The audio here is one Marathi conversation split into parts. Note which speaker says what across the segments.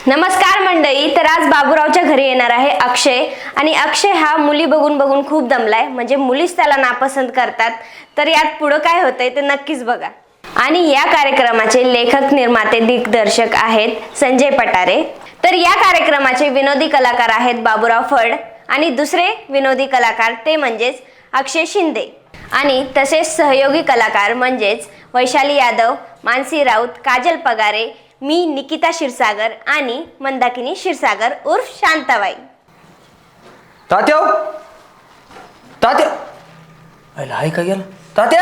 Speaker 1: नमस्कार मंडळी. तर आज बाबूरावच्या घरी येणार आहे अक्षय. आणि अक्षय हा मुली बघून बघून खूप दमलाय, म्हणजे मुलीच त्याला नापसंत करतात. तर यात पुढे काय होतंय ते नक्कीच बघा. आणि या कार्यक्रमाचे लेखक, निर्माते, दिग्दर्शक आहेत संजय पटारे. तर या कार्यक्रमाचे विनोदी कलाकार आहेत बाबूराव फड आणि दुसरे विनोदी कलाकार ते म्हणजेच अक्षय शिंदे. आणि तसेच सहयोगी कलाकार म्हणजेच वैशाली यादव, मानसी राऊत, काजल पगारे, मी निकिता क्षीरसागर आणि मंदाकिनी क्षीरसागर उर्फ शांताबाई.
Speaker 2: तात्या तात्या अरे हाय का गेला तात्या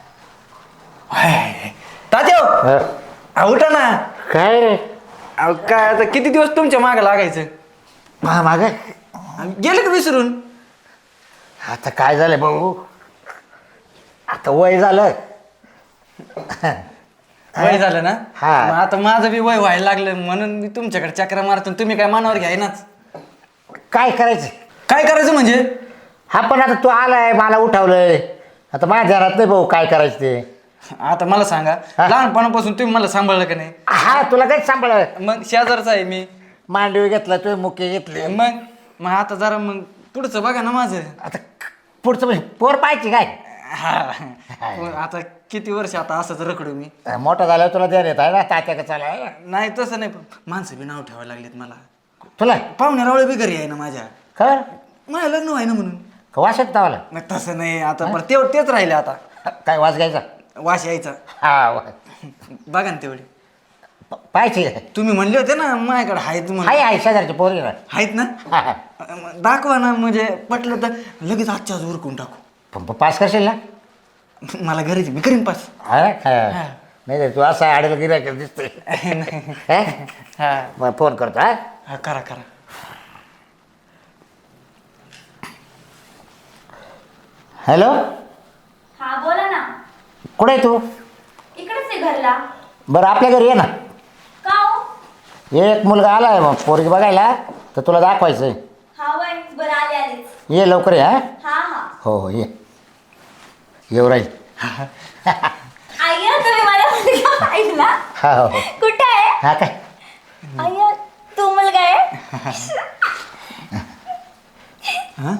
Speaker 2: हाय तात्या उठा ना.
Speaker 3: काय रे?
Speaker 2: अहो काय आता किती दिवस तुमच्या मागे लागायचं.
Speaker 3: माग
Speaker 2: गेले का विसरून.
Speaker 3: आता काय झालं भाऊ, आता वय झालं.
Speaker 2: वय झालं ना.
Speaker 3: हा.
Speaker 2: मग आता माझं बी वय व्हायला लागलं म्हणून मी तुमच्याकडे चक्र मारतो. तुम्ही काय मनावर घ्यायनाच.
Speaker 3: काय करायचं?
Speaker 2: काय करायचं म्हणजे.
Speaker 3: हा पण आता तू आलाय, मला उठवलंय, आता माझ्या घरात नाही भाऊ काय करायचं ते.
Speaker 2: आता मला सांगा,
Speaker 3: हा.
Speaker 2: लहानपणापासून तुम्ही मला सांभाळलं का नाही.
Speaker 3: हा तुला काय सांभाळ,
Speaker 2: मग शेजारचा आहे मी.
Speaker 3: मांडवी घेतला तू, मुके घेतले.
Speaker 2: मग मग आता जरा मग पुढचं बघा ना माझं.
Speaker 3: आता पुढचं म्हणजे पोर पाहिजे काय.
Speaker 2: हा. आता किती वर्ष आता असंच रखडू मी.
Speaker 3: मोठा झाल्यावर तुला द्या येत आहे ना तात्या का चाला.
Speaker 2: नाही तसं नाही, पण माणसं बी नाव ठेवायला लागलेत मला.
Speaker 3: तुला
Speaker 2: पाहुणे रावळे बी घरी आहे ना माझ्या.
Speaker 3: खबर
Speaker 2: माझ्या लग्न व्हाय ना म्हणून.
Speaker 3: वाशत तावाला
Speaker 2: नाही तसं नाही, आता बरं तेच राहिले आता.
Speaker 3: काय वास घ्यायचा.
Speaker 2: वाश यायचा.
Speaker 3: हा
Speaker 2: बघा ना तेवढे.
Speaker 3: पाहिजे.
Speaker 2: तुम्ही म्हणले होते ना माझ्याकडे आहेत म्हणून.
Speaker 3: हाय हाय शेजारची पोरी ना.
Speaker 2: आहेत ना. मग दाखवा ना, म्हणजे पटलं तर लगेच आजच्या आज उरकून टाकू.
Speaker 3: पास करशील ना.
Speaker 2: मला घरीच मी करीन पास.
Speaker 3: हा नाही रे, तू असा आडेला गिरायक दिसतोय.
Speaker 2: हा
Speaker 3: मग फोन करतो. हा
Speaker 2: हा करा करा.
Speaker 3: हॅलो,
Speaker 1: हा बोला ना.
Speaker 3: कुठे आहे तू?
Speaker 1: इकडेच आहे घरला.
Speaker 3: बरं आपल्या घरी ये ना.
Speaker 1: का हो?
Speaker 3: एक मुलगा आला आहे मग पोरगी बघायला, तर तुला दाखवायचं आहे.
Speaker 1: हा वय बरं आले आलेच.
Speaker 3: ये लवकर ये. हा
Speaker 1: हा हा.
Speaker 3: हो हो ये, येऊ राहील.
Speaker 1: आय्या तुम्ही मला मुलगा पाहिला.
Speaker 3: हा हो हो.
Speaker 1: कुठे आहे?
Speaker 3: हा काय
Speaker 1: आय्या तू मुलगा आहे.
Speaker 2: हा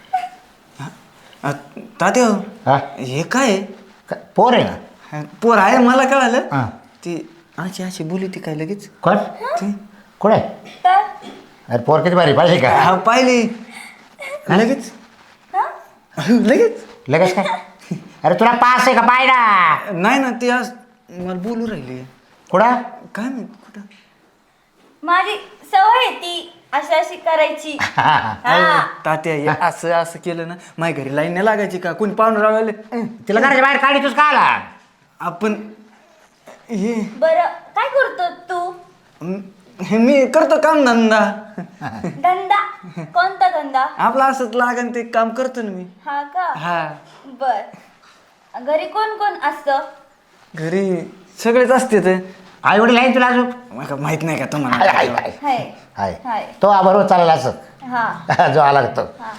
Speaker 2: तात्या
Speaker 3: हा
Speaker 2: हे काय
Speaker 3: पोर आहे ना.
Speaker 2: पोर आहे मला कळालं.
Speaker 3: हां
Speaker 2: ती अशी अशी बोली ती काय लगेच.
Speaker 3: कोण
Speaker 2: ती
Speaker 3: कुठे आहे?
Speaker 1: तर
Speaker 3: अरे पोर किती भारी पाहिजे का.
Speaker 2: हा पाहिली लगेच. लगेच
Speaker 3: लगेच काय. अरे तुला पास आहे का पाय ना.
Speaker 2: नाही ना, ती आज मला बोलू राहिली.
Speaker 3: कुठं
Speaker 2: काय माहित कुठं.
Speaker 1: माझी सवय आहे ती अशी अशी करायची. हा.
Speaker 2: तात्या हे असं असं केलं ना, माझ्या घरी लाईन नाही लागायची का. कोणी पाहुणे रावले
Speaker 3: तिला घराच्या बाहेर काढी तुझ का आला.
Speaker 2: आपण हे
Speaker 1: बरं काय करतो तू?
Speaker 2: मी करतो काम धंदा.
Speaker 1: धंदा? कोणता धंदा?
Speaker 2: आपलं असंच लागन ते काम करतो ना मी.
Speaker 1: हा का?
Speaker 2: हा.
Speaker 1: बर. घरी कोण कोण असतं?
Speaker 2: घरी सगळेच असते ते.
Speaker 3: आई वडील आहे तुला अजून.
Speaker 2: मला माहित नाही का
Speaker 3: हाय
Speaker 2: तुम्हाला.
Speaker 3: हाय हाय
Speaker 1: हाय.
Speaker 3: हाय
Speaker 1: हाय.
Speaker 3: तो बरोबर चालला असं.
Speaker 1: हा
Speaker 3: जो आला तो.
Speaker 1: हा.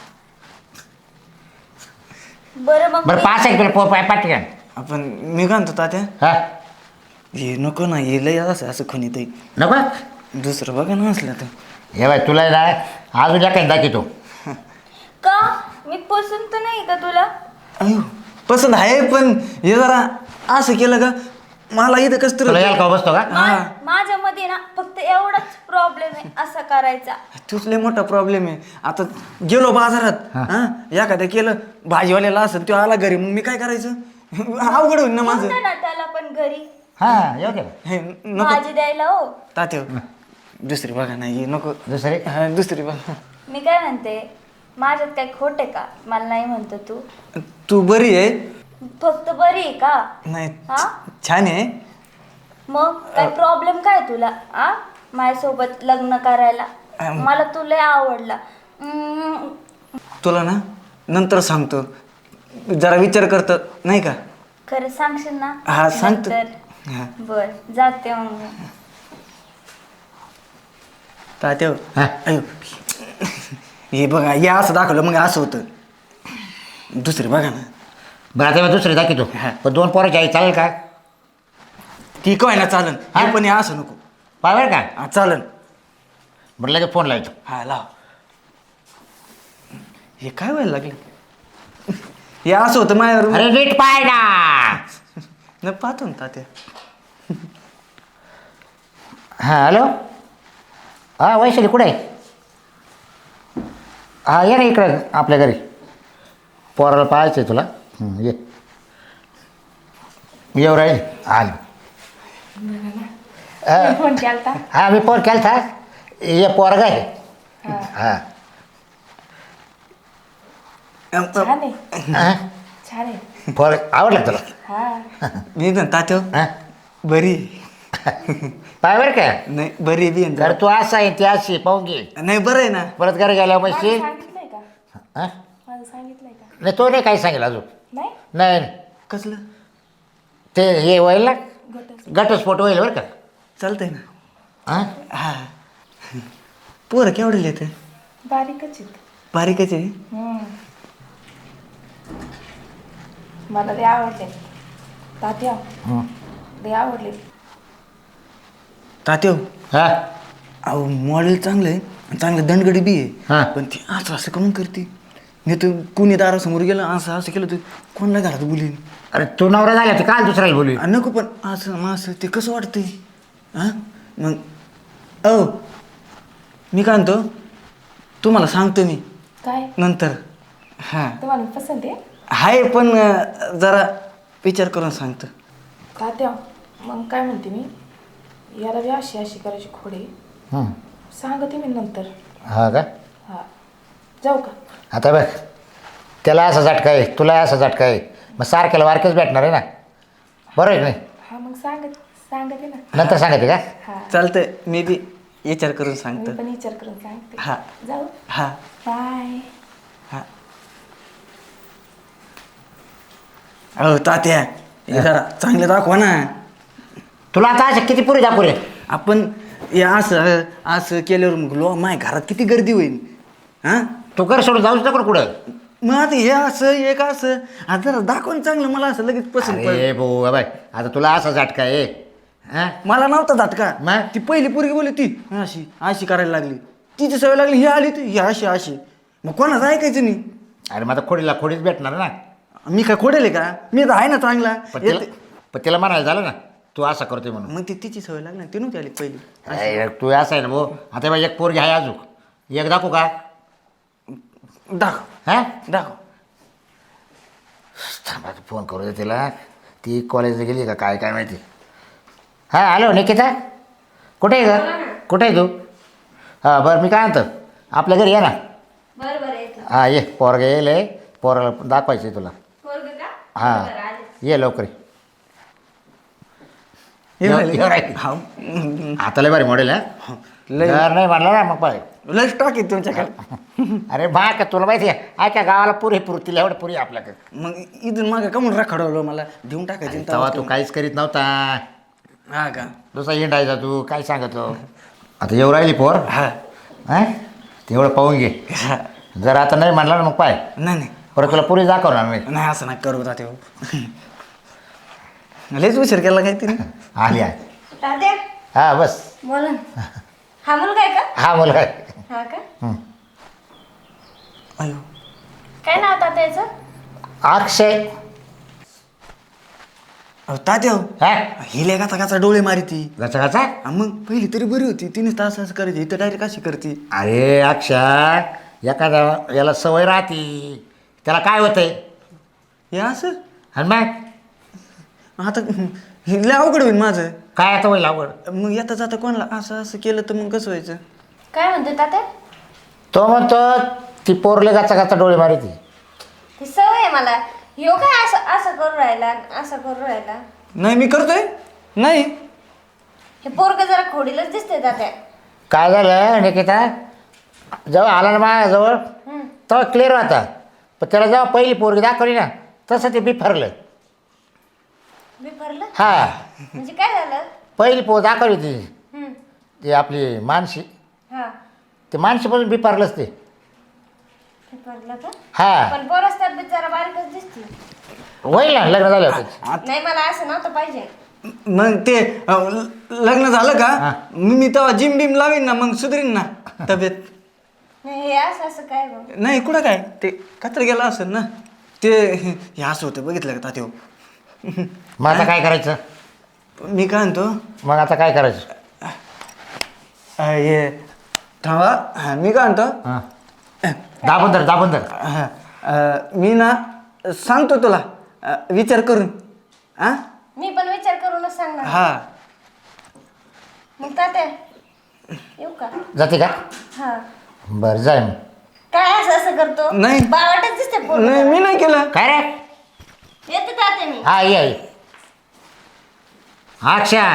Speaker 1: बरं मग
Speaker 3: बरं पास आहे का तुला पोर पाय पाठी.
Speaker 2: आपण मी काय म्हणतो तात्या,
Speaker 3: हा
Speaker 2: हे नको ना, हे लय असं असं खुनी ते.
Speaker 3: नको
Speaker 2: दुसरं बघा ना असलं तर.
Speaker 3: हे बाय तुला ना अजून काय दाखवतो.
Speaker 1: का मी पसंत नाही का तुला?
Speaker 2: अयो पसंत आहे, पण हे जरा असं केलं का मला इथं कस
Speaker 3: तुला यायला का बसतो का.
Speaker 1: माझ्यामध्ये ना फक्त एवढाच प्रॉब्लेम आहे असा करायचा.
Speaker 2: तूच लय मोठा प्रॉब्लेम आहे. आता गेलो बाजारात, हा एखाद्या केलं भाजीवाल्याला असं, तो आला घरी, मग मी काय करायचं. अवघड होईल ना माझं.
Speaker 1: होतं ना त्याला पण घरी
Speaker 3: हा येऊ दे.
Speaker 2: हे नको
Speaker 1: भाजी द्यायला. हो
Speaker 2: तात्या, दुसरी बघा ना, हे नको.
Speaker 3: दुसरे
Speaker 2: हा, दुसरी बघा.
Speaker 1: मी काय म्हणते, माझ्यात काही खोट आहे का? मला नाही म्हणतो तू.
Speaker 2: तू बरी आहे.
Speaker 1: फक्त बरी आहे का?
Speaker 2: नाही
Speaker 1: हा?
Speaker 2: छान आहे.
Speaker 1: मग काय प्रॉब्लेम काय तुला? आ माझ्यासोबत लग्न करायला? मला तुला आवडला.
Speaker 2: तुला ना नंतर सांगतो, जरा विचार करतो नाही का.
Speaker 1: खरं सांगशील ना?
Speaker 2: हा, सांगतो.
Speaker 1: नंतर?
Speaker 2: हा.
Speaker 1: बर जाते मग मी.
Speaker 2: तात्या
Speaker 3: हा.
Speaker 2: अयो हे बघा, हे असं दाखवलं मग असं होतं. दुसरी बघा ना.
Speaker 3: बरं आता दुसरे दाखवतो.
Speaker 2: हा.
Speaker 3: पण दोन पोराची आई चालेल का.
Speaker 2: ती काय ना चालन,
Speaker 3: हा?
Speaker 2: हे पण हे असं नको.
Speaker 3: पाय बरं का.
Speaker 2: हा चालन.
Speaker 3: म्हटलं लगेच फोन लावायचो.
Speaker 2: हा लाव. हे काय व्हायला लागलं? हे असं होतं माझ्यावर.
Speaker 3: अरे नीट पाय ना.
Speaker 2: नाही पाहतो ना तात्या.
Speaker 3: हां हॅलो. हां वैशाली कुठे आहे? हां ये ना इकडं आपल्या घरी. पोराला पाहायचं आहे तुला. ये येऊ राहील आल.
Speaker 4: फोन केलता.
Speaker 3: हां मी फोन केला था. ये पोरगा आहे. हां
Speaker 4: छान आहे.
Speaker 3: हां
Speaker 4: छान आहे.
Speaker 3: पोर आवडला तुला?
Speaker 4: हा.
Speaker 2: मी ना तात्या
Speaker 3: हां
Speaker 2: बरी.
Speaker 3: पाय बरं का.
Speaker 2: नाही बरी बी आहे
Speaker 3: जर
Speaker 2: ना.
Speaker 3: तू असा आहे ती अशी पाहून घे.
Speaker 2: नाही बरं आहे ना.
Speaker 3: परत घरी गेल्यावर
Speaker 4: माझं
Speaker 3: म्हणशील.
Speaker 4: सांगितलंय का?
Speaker 3: हां
Speaker 4: माझं सांगितलंय का?
Speaker 3: नाही तो नाही काही सांगेल अजून.
Speaker 4: नाही.
Speaker 3: नाही
Speaker 2: कसलं?
Speaker 3: ते हे होईल ना
Speaker 4: गटच.
Speaker 3: घटस्फोट होईल बरं का.
Speaker 2: चालतंय ना.
Speaker 3: हां
Speaker 2: हा पोरं केवढे येते?
Speaker 4: बारीकच आहेत.
Speaker 2: बारीकच आहे.
Speaker 4: मला ते आवडले. तात्या
Speaker 3: हं.
Speaker 4: ते आवडले.
Speaker 2: तात्या
Speaker 3: हां
Speaker 2: अहो मॉडेल चांगलं आहे, चांगलं दंडगडी बी
Speaker 3: हा.
Speaker 2: आहे. पण ती असं असं करून करते. मी तर कुणी दारासमोर गेलं असं असं केलं तर कोणाला घरात बोलीन.
Speaker 3: अरे तू नवरा झाला ते काल दुसऱ्याला बोलू.
Speaker 2: नको पण असं मग असं ते कसं वाटतंय. हां मग अहो मी काय म्हणतो तुम्हाला सांगतो मी
Speaker 4: काय
Speaker 2: नंतर. हां
Speaker 4: तुम्हाला पसंत आहे?
Speaker 2: आहे पण जरा विचार करून सांगतो.
Speaker 4: तात्या मग काय म्हणते मी, याला बी अशी अशी करायची खोडे.
Speaker 3: हं.
Speaker 4: सांगते मी नंतर.
Speaker 3: हा का.
Speaker 4: हा जाऊ का?
Speaker 3: आता बघ त्याला असा झटका आहे तुला असा झटका आहे मग सारख्याला वारखेच भेटणार आहे ना. बरोबर आहे की नाही.
Speaker 4: हा मग सांगते ना.
Speaker 3: नंतर सांगायचे का.
Speaker 4: हा
Speaker 2: चालतंय मी बी विचार करून
Speaker 4: मी
Speaker 2: सांगतो.
Speaker 4: पण विचार करून सांगते.
Speaker 2: हा.
Speaker 4: जाऊ.
Speaker 2: हा
Speaker 4: बाय.
Speaker 2: हा. अहो तात्या हे जरा चांगलं दाखवा ना.
Speaker 3: तुला आता असे किती पुरी दाखवू रे.
Speaker 2: आपण हे असं असं केल्यावर मग माय घरात किती गर्दी होईल. हां
Speaker 3: तू कर सोडून जाऊच नको कुठं.
Speaker 2: मग आता हे असं एक असं आता जरा दाखवून चांगलं मला असं लगेच पसंत पडलं.
Speaker 3: अरे भाऊ बाय आता तुला असा झटका आहे. हां
Speaker 2: मला नव्हता झटका.
Speaker 3: मग?
Speaker 2: ती पहिली पोरगी बोलली ती अशी अशी करायला लागली. तिची सवय लागली ही आली ती ही अशी अशी. मग कोणाचं ऐकायचं नाही.
Speaker 3: अरे मग आता खोडीला खोडीच भेटणार ना.
Speaker 2: मी काय खोडेल का. मी तर आहे ना चांगला.
Speaker 3: पण तिला म्हणायला झालं ना तू असं करतोय म्हणून.
Speaker 2: मग ती तिची सवय लागली ती नव्हती आली पहिली.
Speaker 3: अरे, तू असं आहे ना भाऊ आता बा एक पोरगी आहे अजून एक दाखवू का.
Speaker 2: दाखव
Speaker 3: हां
Speaker 2: दाखव.
Speaker 3: थांबा फोन करू दे तिला. ती कॉलेजला गेली का काय काय माहिती. हां हॅलो निकिता कुठे आहे ग कुठे आहे तू. हां बरं मी काय म्हणतो आपल्या घरी ये ना.
Speaker 1: बरं बरं येतो.
Speaker 3: हां ये पोरगा येईल पोराला दाखवायचं आहे तुला.
Speaker 1: पोरगं का?
Speaker 3: हां
Speaker 1: बरं, आले.
Speaker 3: ये लवकर ये.
Speaker 2: हे
Speaker 3: येऊ-
Speaker 2: राहिले
Speaker 3: येऊ
Speaker 2: का?
Speaker 3: राहिले.
Speaker 2: हाव.
Speaker 3: आता लय भारी मॉडेल आहे.
Speaker 2: लय
Speaker 3: घर नाही म्हणलं ना मग पाय.
Speaker 2: लय स्टॉक आहे तुमच्याकडे.
Speaker 3: अरे बा का तुला माहिती आहे ऐका गावाला पुरी तिला एवढं पुरी आपल्याकडे.
Speaker 2: मग इथून मागं कमून रखडवलं मला देऊन टाकायचं ना
Speaker 3: तेव्हा
Speaker 2: तेव्हा
Speaker 3: तू काहीच करीत नव्हता.
Speaker 2: हा का.
Speaker 3: दुसरा हिंडायचा तू काय सांगतो. आता येऊ राहिली पोर.
Speaker 2: हा
Speaker 3: हां तेवढं पाहून घे.
Speaker 2: हा.
Speaker 3: जर आता नाही म्हणला ना मग पाय
Speaker 2: नाही नाही
Speaker 3: परत तुला पुरी दाखवणार नाही.
Speaker 2: नाही असं नाही करू तात्या. लयच उशीर केला काय तिने.
Speaker 3: आली आहे.
Speaker 1: तात्या
Speaker 3: हां बस
Speaker 1: बोला ना. हा मुलगा आहे का?
Speaker 3: हा मुलगा आहे.
Speaker 1: हा का?
Speaker 3: हं.
Speaker 2: अयो
Speaker 1: काय नाव तात्याचं?
Speaker 3: अक्षय.
Speaker 2: अहो तात्या
Speaker 3: हा
Speaker 2: हिले गाचा गाचा डोळे मारी ती.
Speaker 3: गचा गचा.
Speaker 2: मग पहिली तरी बरी होती तिनेच तास असं करायची इथं डायरेक्ट अशी करते.
Speaker 3: अरे अक्षय एखादा याला सवय राहते त्याला काय होतंय.
Speaker 2: हे असं
Speaker 3: आणि मग
Speaker 2: आता हे लय अवघड होईल माझं.
Speaker 3: काय आता होईल आवड.
Speaker 2: मग येता जाता कोणाला असं असं केलं तर मग कसं व्हायचं.
Speaker 1: काय म्हणते तात्या?
Speaker 3: तो म्हणतो ती पोरले गाचा गाचा डोळे मारी ती.
Speaker 1: ती सवय आहे मला. ह्यो काय असं असं करू राहिला असं करू राहिला.
Speaker 2: नाही मी करतोय नाही.
Speaker 1: हे पोरगं जरा खोडीलच दिसते तात्या.
Speaker 3: काय झालं निकिता जेव्हा आला ना माझ्याजवळ तेव्हा क्लिअर होता पण त्याला जेव्हा पहिली पोरगी दाखवली ना तसं ते बिफरलं.
Speaker 1: मी भरलं
Speaker 3: हा
Speaker 1: म्हणजे काय झालं?
Speaker 3: पहिली पोर दाखवली ती
Speaker 1: हम्म.
Speaker 3: ती आपली मानशी
Speaker 1: हा
Speaker 3: ते मानशीपासून बिफारलंच ते.
Speaker 1: हे भरलं का?
Speaker 3: हा
Speaker 1: पण पोरच तब्येत जरा बारीकच दिसते.
Speaker 3: होईल ना लग्न झालं होतं.
Speaker 1: नाही मला असं नव्हतं पाहिजे.
Speaker 2: मग ते लग्न झालं का मी तेव्हा जिम बिम लावीन ना, मग सुधरीन ना तब्येत.
Speaker 1: हे असं असं काय मग?
Speaker 2: नाही कुठं काय ते कचरा गेला असेल ना ते, हे असं होतं बघितलं का तात्या.
Speaker 3: मग आता काय करायचं?
Speaker 2: मी काय म्हणतो
Speaker 3: मग आता काय करायचं?
Speaker 2: हे थांबा. मी काय म्हणतो
Speaker 3: हां दाबून धर.
Speaker 2: मी ना सांगतो तुला विचार करून. हा
Speaker 1: मी पण विचार करूनच सांगणार.
Speaker 2: हा
Speaker 1: मग तात्या येऊ का?
Speaker 3: जाते का?
Speaker 1: हा.
Speaker 3: बरं जाय मग.
Speaker 1: काय असं असं करतो?
Speaker 2: नाही.
Speaker 1: बावटच दिसते पोरगं.
Speaker 2: नाही मी नाही केलं.
Speaker 3: काय रे?
Speaker 1: येते तात्या मी.
Speaker 3: हा ये अच्छा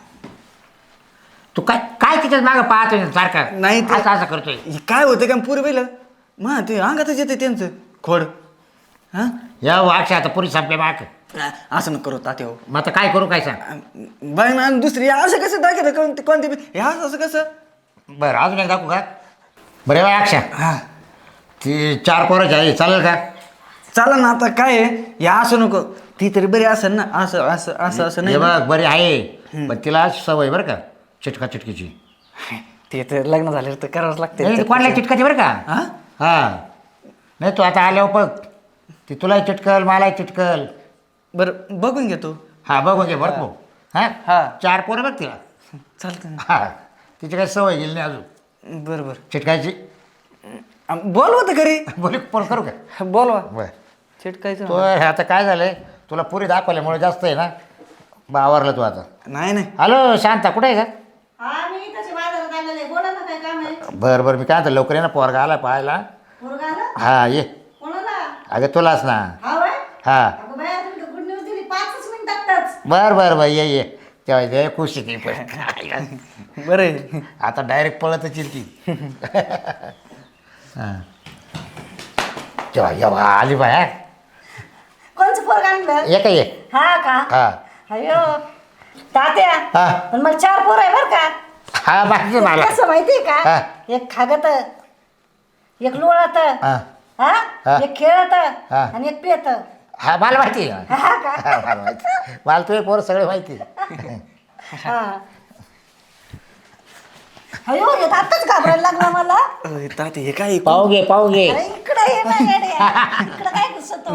Speaker 3: तू काय तिच्यात मागं पाहतोय सारखा?
Speaker 2: नाही ते-
Speaker 3: असं करतोय.
Speaker 2: हे काय होतं का पुरी पहिलं मा ते अंगातच येते त्यांचं खोड. हा
Speaker 3: या वाक्षा आता पुरी संपले माग.
Speaker 2: असं नको करू तात्या हो.
Speaker 3: मग आता काय करू काय सांग?
Speaker 2: बाई ना दुसरी असं कसं दाखवतं कोणते हे असं कसं.
Speaker 3: बरं अजून एक दाखवू का? बरं बा अक्षा
Speaker 2: हा
Speaker 3: ती 4 पोराची आहे चालेल का?
Speaker 2: चाला ना. आता काय आहे हे असं नको, ती तरी बरी असेल ना. असं असं असं असं
Speaker 3: हे
Speaker 2: नाही
Speaker 3: बघ बरी आहे पण तिला सवय बरं का चिटकीची.
Speaker 2: ते तर लग्न झाल्यावर तर करावंच लागते.
Speaker 3: नाही कोणाला चिटकायची बरं का?
Speaker 2: हा
Speaker 3: हां नाही तू आता आल्यावर बघ ती तुलाही चिटकल मलाही चिटकल.
Speaker 2: बरं बघून घेतो.
Speaker 3: हा बघून घे बरं भाऊ.
Speaker 2: हा.
Speaker 3: हां 4 पोरं बघ तिला.
Speaker 2: चालतं ना.
Speaker 3: हा तिची काही सवय गेली नाही अजून
Speaker 2: बरं बरं
Speaker 3: चिटकायची.
Speaker 2: बोलवा तर घरी.
Speaker 3: बोल फोन करू का?
Speaker 2: बोलवा
Speaker 3: बरं
Speaker 2: चिटकायचं
Speaker 3: तो आता काय झालंय तुला पुरी दाखवल्यामुळे जास्त आहे ना आवरलं तू आता.
Speaker 2: नाही नाही.
Speaker 3: हॅलो शांता कुठे आहे का?
Speaker 5: हा मी तशी बाजारात आलेले बोला ना काय काम आहे
Speaker 3: बरं मी काय म्हणतो लवकर ये ना पोरगा आला पाहायला.
Speaker 5: पोरगा आला
Speaker 3: हा ये
Speaker 5: कोणाला
Speaker 3: अगं तुलाच ना.
Speaker 5: हा वय
Speaker 3: हा
Speaker 5: अगं बाया तुम्ही गुड न्यूज दिली 5च मिनिटातच
Speaker 3: बरं ये तेव्हा दे खुश आहे ती पण.
Speaker 2: बरं आहे.
Speaker 3: आता डायरेक्ट पळतच येईल ती. हां जेव्हा आली बाया
Speaker 5: कोणचं पोरगा आणलं
Speaker 3: ये का ये.
Speaker 5: हा का
Speaker 3: हा
Speaker 5: अयो तात्या
Speaker 3: हा
Speaker 5: पण मला 4 पोर आहे बर का
Speaker 3: हा माहिती आहे मला.
Speaker 5: कसं माहितीये
Speaker 3: हा.
Speaker 5: का एक खागत एक लोळत
Speaker 3: हा
Speaker 5: हा
Speaker 3: हा.
Speaker 5: एक खेळत
Speaker 3: हा.
Speaker 5: आणि एक पेत
Speaker 3: हा मला माहिती आहे.
Speaker 5: हा का
Speaker 3: हा, मला माहिती मला तुझे पोरं सगळे माहिती आहे.
Speaker 5: हा अयो हे आताच घाबरायला लागला मला
Speaker 2: ताते हे काय
Speaker 3: पाहू घे
Speaker 5: अरे इकडे ये ना येड्या. इकडे काय घुसतो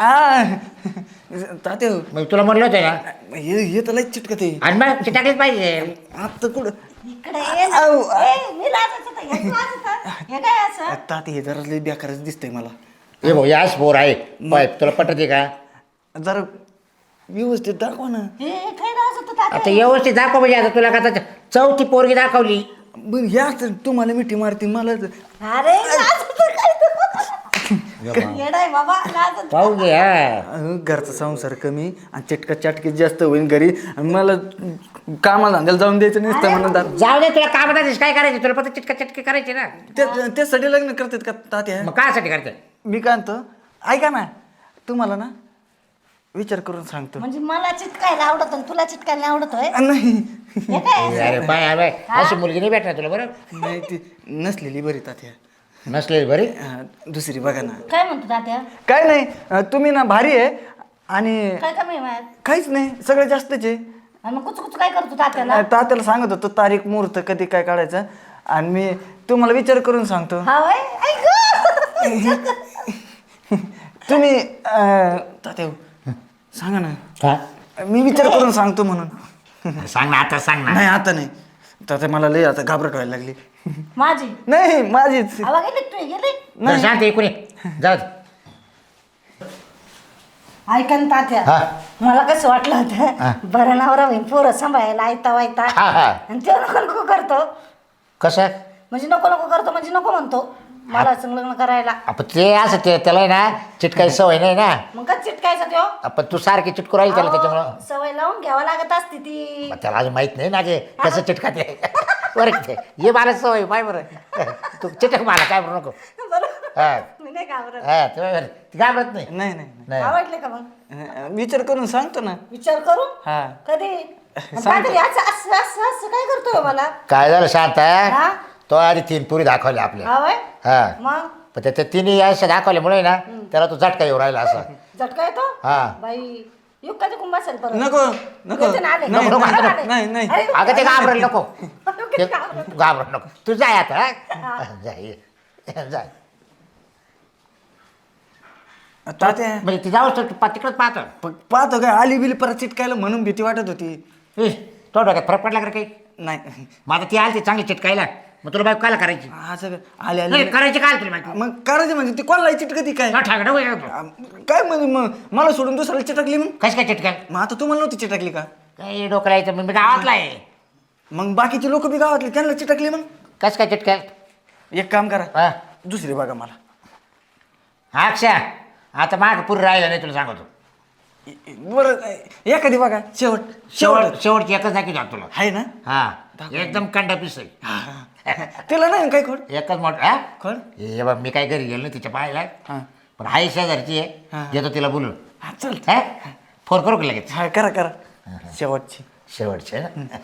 Speaker 2: ताते
Speaker 3: मग तुला म्हणलं होतं ना
Speaker 2: हे तर लई चिटकत आहे.
Speaker 3: आणि मग टाकलीच पाहिजे.
Speaker 2: आता कुठं
Speaker 5: इकडे ये ना.
Speaker 2: आऊ, आ.
Speaker 5: ए, मी लाजत होते. हे लाजत होतं. हे काय असं
Speaker 2: ताते हे जरा लई बेकारच दिसतंय मला.
Speaker 3: हे भाऊ याच पोर आहे पाय तुला पटते का?
Speaker 2: जरा व्यवस्थित दाखवा ना.
Speaker 5: हे काय लाजत होतं
Speaker 3: आता
Speaker 5: तात्या?
Speaker 3: व्यवस्थित दाखव म्हणजे आता तुला का 4थी पोरगी दाखवली.
Speaker 2: बरं या तर तुम्हाला मिठी मारती मला
Speaker 5: अरे लाजत होतं काय तू? येडाय बाबा लाजत
Speaker 3: पाहू घे हा.
Speaker 2: घरचा संसार कमी आणि चिटका चाटकी जास्त होईल घरी. आणि मला कामाला धंद्याला जाऊन द्यायचं नसतं म्हणून
Speaker 3: जाऊ दे तुला काम काय करायचे तुला फक्त चिटकी करायची ना.
Speaker 2: त्यासाठी लग्न करतात का तात्या?
Speaker 3: मग कायसाठी करते?
Speaker 2: मी काय म्हणतो ऐका ना, तुम्हाला ना विचार करून सांगतो.
Speaker 5: म्हणजे मला चिटकायला आवडत आणि तुला चिटकायला आवडत होय
Speaker 2: नाही
Speaker 5: हे काय
Speaker 3: अरे पाय अरे अशी मुलगी नाही भेटणार तुला बरं.
Speaker 2: नाही ती नसलेली बरी तात्या.
Speaker 3: नसलेली बरी.
Speaker 2: दुसरी बघा ना.
Speaker 5: काय म्हणतो तात्या
Speaker 2: काय नाही तुम्ही ना भारी आहे आणि
Speaker 5: काय कमी आहे माझ्यात?
Speaker 2: काहीच नाही सगळं जास्तच आहे.
Speaker 5: आणि मग कुच काय करतो तात्याला
Speaker 2: तात्याला सांगत होतो तारीख मुहूर्त कधी काय काढायचं आणि मी तुम्हाला विचार करून सांगतो.
Speaker 5: हा वय ऐक
Speaker 2: तुम्ही तात्या सांगा ना.
Speaker 3: हा
Speaker 2: मी विचार करून सांगतो म्हणून.
Speaker 3: सांग ना आता सांग ना.
Speaker 2: नाही आता नाही तात्या मला लई आता घाबरट व्हायला लागली.
Speaker 5: माझी
Speaker 2: नाही माझीच
Speaker 5: आवा गेली तू गेली
Speaker 3: बरं शांत इकडे ये. जाऊ दे.
Speaker 5: ऐका ना तात्या
Speaker 3: हा.
Speaker 5: मला कसं वाटलं
Speaker 3: हा.
Speaker 5: होतं बरं नवरा होईन पोरं सांभाळायला आयता वायता
Speaker 3: हा हा
Speaker 5: आणि ते नको नको करतो
Speaker 3: कसं
Speaker 5: म्हणजे नको नको करतो म्हणजे नको म्हणतो मला संग लग्न करायला
Speaker 3: आपण ते असं ते त्याला आहे ना चिटकायची सवय नाही ना.
Speaker 5: मग काय चिटकायचं त्यो
Speaker 3: आपण तू सारखी चिटकू राहील त्याला त्याच्यामुळं.
Speaker 5: अहो, सवय लावून घ्यावा लागत असते ती
Speaker 3: मग त्याला अजून माहित नाही ना गे कसं चिटकाते. बरं ते ये मला सवय पाय बरं तू चिटक मला काय बरं नको.
Speaker 5: बरोबर
Speaker 3: हा
Speaker 5: मी नाही घाबरत
Speaker 3: हा ती घाबरत नाही.
Speaker 2: नाही नाही
Speaker 3: नाही
Speaker 5: आवडले का मग
Speaker 2: विचार करून सांगतो ना.
Speaker 5: विचार करू
Speaker 2: हा
Speaker 5: कधी आणि काहीतरी असं असं असं असं काय करतोय मला
Speaker 3: काय झालं शांत
Speaker 5: हा
Speaker 3: तो आधी 3 पुरी दाखवल्या आपल्या.
Speaker 5: हा वय
Speaker 3: हा
Speaker 5: मग
Speaker 3: पण त्या 3 अशा दाखवल्यामुळे ना त्याला तो झटका येऊ राहिला असा.
Speaker 5: झटका येतो
Speaker 3: हा
Speaker 5: बाई युक्काचे कुंभ असेल परत.
Speaker 2: नको नको
Speaker 5: येते ना, आले.
Speaker 2: नाही,
Speaker 3: नको,
Speaker 2: नाही,
Speaker 3: नको.
Speaker 5: आले.
Speaker 2: नाही नाही
Speaker 5: अरे,
Speaker 3: अगं ते घाबरेल नको
Speaker 5: नको, घाबरत.
Speaker 3: घाबरत नको तू जाय आता हा? जाय जाय
Speaker 2: तात्या
Speaker 3: म्हणजे ती जाऊस तर तिकडच पाहतो
Speaker 2: पाहतो काय आली बिली परत चिटकायला म्हणून भीती वाटत होती.
Speaker 3: तो डोक्यात फरक पडला का रे काही
Speaker 2: नाही
Speaker 3: मग आता ती आली ती चांगली चिटकायला मग तुला बाईक कायला करायची
Speaker 2: असं आले
Speaker 3: नाही
Speaker 2: आले
Speaker 3: करायची काय तुला बाईक
Speaker 2: मग करायचं म्हणजे ती कोणाला चिटकती काय
Speaker 3: ठाकडं
Speaker 2: काय म्हणजे मग मला सोडून दुसऱ्याला चिटकली मग
Speaker 3: कशी काय चिटकाल
Speaker 2: मग आता तुम्हाला नव्हती चिटकली का?
Speaker 3: काही डोकं यायचं मी गावातला आहे
Speaker 2: मग बाकीचे लोक बी गावातले त्यांना चिटकली मग
Speaker 3: कसं काय चिटकाल
Speaker 2: एक काम करा
Speaker 3: हा
Speaker 2: दुसरी बघा मला.
Speaker 3: हा अक्षा आता माग पुरी राहिला नाही तुला सांगतो
Speaker 2: बरं एखादी बघा शेवट
Speaker 3: शेवटची एकच दाखी जात तुला
Speaker 2: आहे ना
Speaker 3: हा एकदम कंडा पीस आहे
Speaker 2: तिला नाही काय खोड
Speaker 3: एकच मोठ हा
Speaker 2: खोड
Speaker 3: हे बघ मी काय घरी गेलो ना तिच्या पाहायला
Speaker 2: हा
Speaker 3: पण हाय शेजारची आहे
Speaker 2: हा.
Speaker 3: येतो तिला बोलून
Speaker 2: हा चल
Speaker 3: हा फोन करू का लगेच
Speaker 2: हा करा करा शेवटची
Speaker 3: शेवटचे ना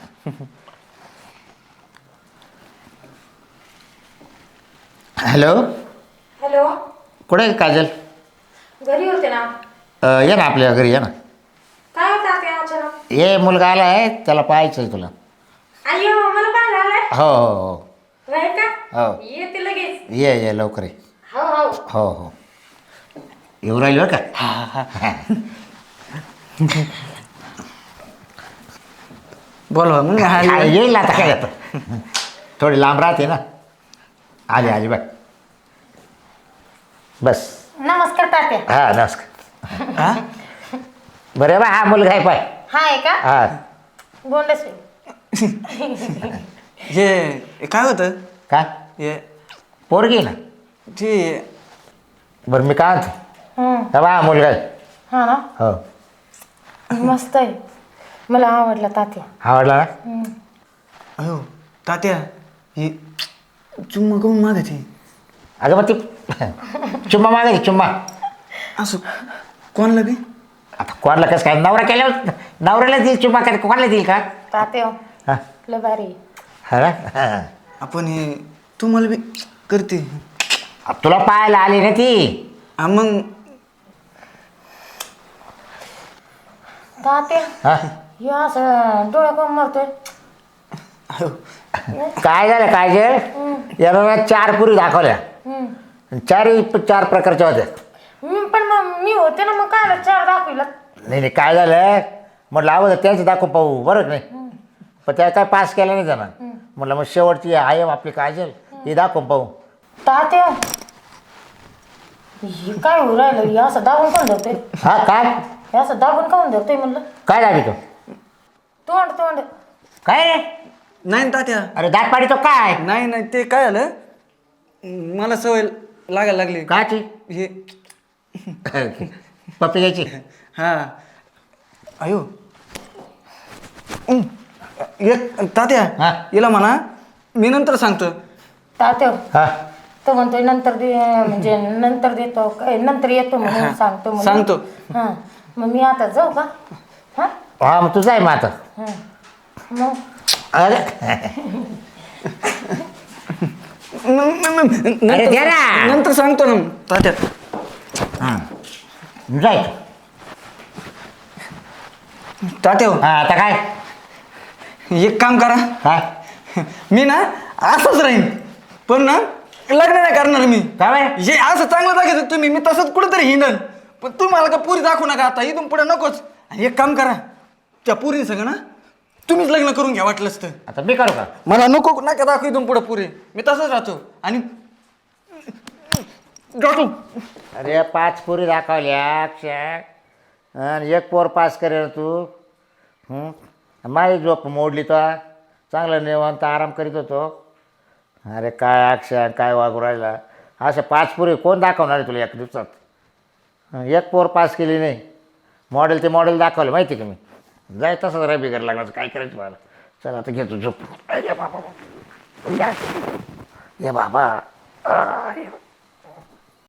Speaker 3: हॅलो
Speaker 4: हॅलो
Speaker 3: कुठे आहे काजल
Speaker 4: घरी होते ना.
Speaker 3: ये ना आपल्या घरी ये ना
Speaker 4: काय होतं ते अचानक?
Speaker 3: ये मुलगा आला आहे त्याला पाहायचं आहे तुला
Speaker 4: अय्यो मला पाहायला आलाय.
Speaker 3: हो हो
Speaker 4: राहील का?
Speaker 3: हो
Speaker 4: येते लगेच.
Speaker 3: ये लवकर ये
Speaker 4: हो हो.
Speaker 3: हो हो येऊ राहिली बरं का
Speaker 2: बोलवा मग
Speaker 3: हा,
Speaker 2: हा
Speaker 3: येईल ना आता काय आता थोडी लांब राहते ना आली बाय बस
Speaker 4: नमस्कार तात्या.
Speaker 3: हा नमस्कार
Speaker 2: हा?
Speaker 3: बरं बा हा मुलगा आहे पाय
Speaker 4: हा आहे का?
Speaker 3: हा
Speaker 4: गोंडस.
Speaker 2: हे काय होतं
Speaker 3: का
Speaker 2: हे
Speaker 3: पोरगी ना
Speaker 2: ते
Speaker 3: बरं मी काय म्हणतो बा हा मुलगा आहे
Speaker 4: हा ना
Speaker 3: हो
Speaker 4: मस्त आहे. मला आवडला तात्या.
Speaker 3: आवडला ना
Speaker 2: अयो तात्या हे चुम्मा करून मागायची
Speaker 3: अगं मग ती चुम्मा मागायची चुम्मा
Speaker 2: असं कोणाला बी
Speaker 3: आता कोणाला कसं काय नवरा केल्यावर नवऱ्याला देईल चुम्मा काय कोणाला देईल का
Speaker 4: तात्या
Speaker 3: हा
Speaker 4: लय भारी.
Speaker 3: हा ना हा.
Speaker 2: आपण हे तुम्हाला बी करते
Speaker 3: तुला पाहायला आली ना ती
Speaker 2: हा मग
Speaker 4: तात्या
Speaker 3: हा
Speaker 4: हे असं डोळ्या कोण मारतोय?
Speaker 2: अयो
Speaker 3: काय झालं काय जे याला ना 4 पुरी दाखवल्या चार प्रकारच्या होत्या
Speaker 4: पण मग मी होते ना मग काय 4 दाखविला.
Speaker 3: नाही काय झालं म्हटलं अगोदर त्यांचं दाखव पाहू बरं नाही पण त्या काय पास केलं नाही जाणार म्हटलं मग शेवटची आहे आपली काजल ही दाखव पाहू
Speaker 4: तात्या हे काय होऊ राहिलं? हे असं दाबून कोण धरतोय?
Speaker 3: हा काय
Speaker 4: हे असं दाबून काऊन धरतोय म्हणलं?
Speaker 3: काय दाबी तो
Speaker 4: तोंड
Speaker 3: काय रे
Speaker 2: नाही ना तात्या
Speaker 3: अरे दात पाडी तो काय
Speaker 2: नाही नाही ते काय झालं मला सवय लागायला लागली
Speaker 3: काची
Speaker 2: हे
Speaker 3: पप्पी घ्यायची
Speaker 2: हा अयो एक तात्या
Speaker 3: हा.
Speaker 2: हिला म्हणा मी नंतर सांगतो
Speaker 4: तात्या
Speaker 3: हा
Speaker 4: तो म्हणतोय नंतर दे म्हणजे नंतर देतो काय नंतर येतो म्हणून सांगतो म्हणून.
Speaker 2: सांगतो.
Speaker 4: हा मग मी आता जाऊ का? हा
Speaker 3: हा मग तुझं आहे मग आता
Speaker 4: हा मग
Speaker 3: अरे अरे द्या ना.
Speaker 2: नंतर सांगतो ना तात्या
Speaker 3: हां जाय
Speaker 2: तात्या हो,
Speaker 3: हा आता काय
Speaker 2: एक काम करा
Speaker 3: काय
Speaker 2: मी ना असंच राहीन पण ना लग्न नाही करणार मी
Speaker 3: काय बाय
Speaker 2: हे असं चांगलं दाखवत तुम्ही मी तसंच कुठेतरी हिंडन पण तुम्ही मला का पुरी दाखवू नका आता इथून पुढे नकोच आणि एक काम करा त्या पुरी सगळं ना तुम्हीच लग्न करून घ्या वाटलंच तर
Speaker 3: आता मी करू का
Speaker 2: मला नको नका दाखवू इथून पुढे पुरे मी तसंच राहतो आणि जातो
Speaker 3: अरे 5 पुरी दाखवल्या अक्षय आणि 1 पोर पास करेल तू माझी झोप मोडली तो चांगलं निवांत आराम करीत होतो अरे काय अक्षय काय वागू राहिला अशा 5 पुरी कोण दाखवणार आहे तुला 1 दिवसात 1 पोर पास केली नाही मॉडेल ते मॉडेल दाखवलं माहिती का मी जाय तसंच राय बिगर लागणार काय करायचं मला चल आता घेतो झोप ये बाबा ये बाबा